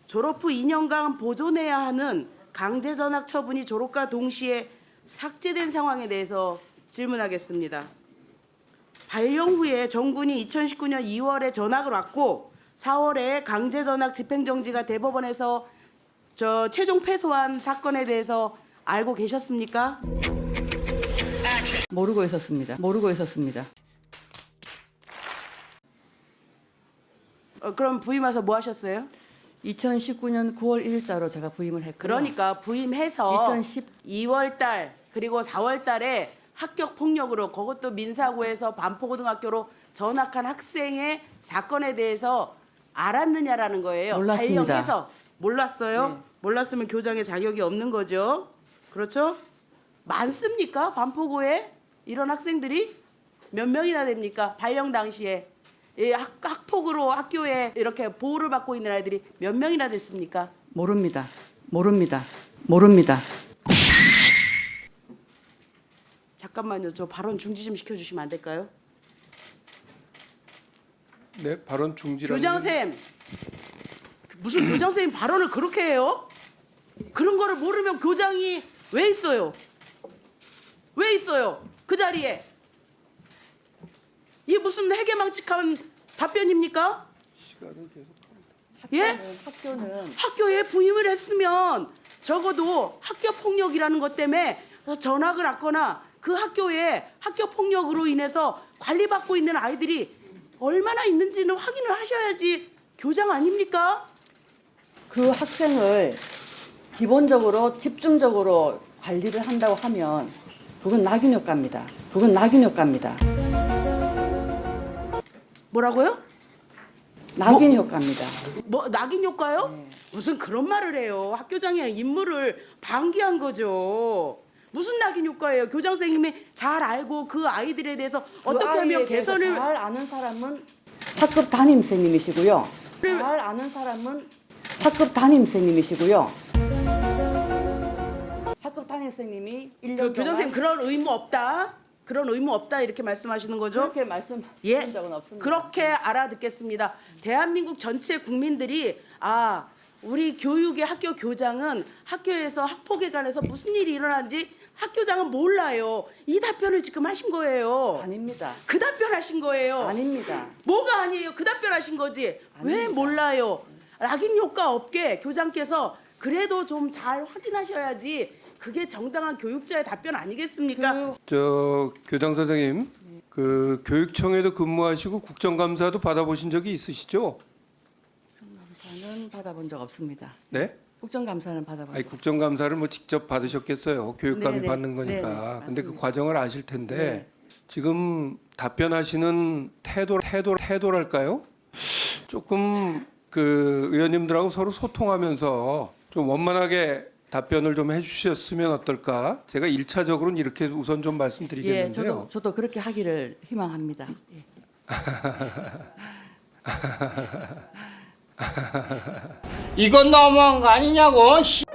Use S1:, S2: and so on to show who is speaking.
S1: 졸업 후 2년간 보존해야 하는 강제 전학 처분이 졸업과 동시에 삭제된 상황에 대해서 질문하겠습니다. 발령 후에 정군이 2019년 2월에 전학을 왔고 4월에 강제 전학 집행정지가 대법원에서 최종 패소한 사건에 대해서 알고 계셨습니까?
S2: 모르고 있었습니다. 모르고 있었습니다.
S1: 그럼 부임 와서 뭐 하셨어요?
S2: 2019년 9월 1일자로 제가 부임을 했고요.
S1: 그러니까 부임해서
S2: 2010
S1: 2월 달 그리고 4월 달에 합격 폭력으로 그것도 민사고에서 반포고등학교로 전학한 학생의 사건에 대해서 알았느냐라는 거예요.
S2: 몰랐습니다.
S1: 발령해서 몰랐어요?
S2: 네.
S1: 몰랐으면 교장의 자격이 없는 거죠. 그렇죠? 많습니까? 반포고에 이런 학생들이 몇 명이나 됩니까? 발령 당시에 학폭으로 학교에 이렇게 보호를 받고 있는 아이들이 몇 명이나 됐습니까?
S2: 모릅니다. 모릅니다. 모릅니다.
S1: 잠깐만요. 저 발언 중지 좀 시켜주시면 안 될까요?
S3: 네, 발언 중지라는.
S1: 교장쌤, 무슨 교장쌤 발언을 그렇게 해요? 그런 거를 모르면 교장이 왜 있어요? 왜 있어요? 그 자리에. 이게 무슨 해괴망측한 답변입니까?
S3: 시간은 계속합니다.
S1: 예?
S2: 학교는
S1: 학교에 부임을 했으면 적어도 학교 폭력이라는 것 때문에 전학을 왔거나 그 학교에 학교 폭력으로 인해서 관리받고 있는 아이들이 얼마나 있는지는 확인을 하셔야지 교장 아닙니까?
S2: 그 학생을 기본적으로 집중적으로 관리를 한다고 하면 그건 낙인 효과입니다. 그건 낙인 효과입니다.
S1: 뭐라고요?
S2: 낙인 효과입니다.
S1: 뭐 낙인 효과요?
S2: 네.
S1: 무슨 그런 말을 해요. 학교장의 임무를 방기한 거죠. 무슨 낙인 효과예요? 교장 선생님이 잘 알고 그 아이들에 대해서 어떻게 하면 개선을
S2: 잘 아는 사람은 학급 담임 선생님이시고요.
S1: 네.
S2: 잘 아는 사람은 학급 담임 선생님이시고요. 학급 담임 선생님이 1년 동안
S1: 교장 선생님 그런 의무 없다. 그런 의무 없다 이렇게 말씀하시는 거죠?
S2: 그렇게 말씀하신
S1: 예,
S2: 적은 없습니다.
S1: 그렇게 알아듣겠습니다. 대한민국 전체 국민들이 우리 교육의 학교 교장은 학교에서 학폭에 관해서 무슨 일이 일어나는지 학교장은 몰라요. 이 답변을 지금 하신 거예요.
S2: 아닙니다.
S1: 그 답변 하신 거예요.
S2: 아닙니다.
S1: 뭐가 아니에요? 그 답변 하신 거지. 왜
S2: 아닙니다.
S1: 몰라요? 낙인 효과 없게 교장께서 그래도 좀 잘 확인하셔야지 그게 정당한 교육자의 답변 아니겠습니까?
S3: 저 교장 선생님, 그 교육청에도 근무하시고 국정감사도 받아보신 적이 있으시죠?
S2: 국정감사는 받아본 적 없습니다.
S3: 네?
S2: 국정감사는 받아본
S3: 아니
S2: 적
S3: 국정감사를 뭐 직접 받으셨겠어요. 교육감이
S2: 네네.
S3: 받는
S2: 네네,
S3: 거니까. 근데 그
S2: 맞습니다.
S3: 과정을 아실 텐데
S2: 네.
S3: 지금 답변하시는 태도랄까요? 조금 그 의원님들하고 서로 소통하면서 좀 원만하게 답변을 좀 해주셨으면 어떨까? 제가 1차적으로는 이렇게 우선 좀
S2: 예,
S3: 말씀드리겠는데요.
S2: 저도 그렇게 하기를 희망합니다. 예.
S4: 이건 너무한 거 아니냐고.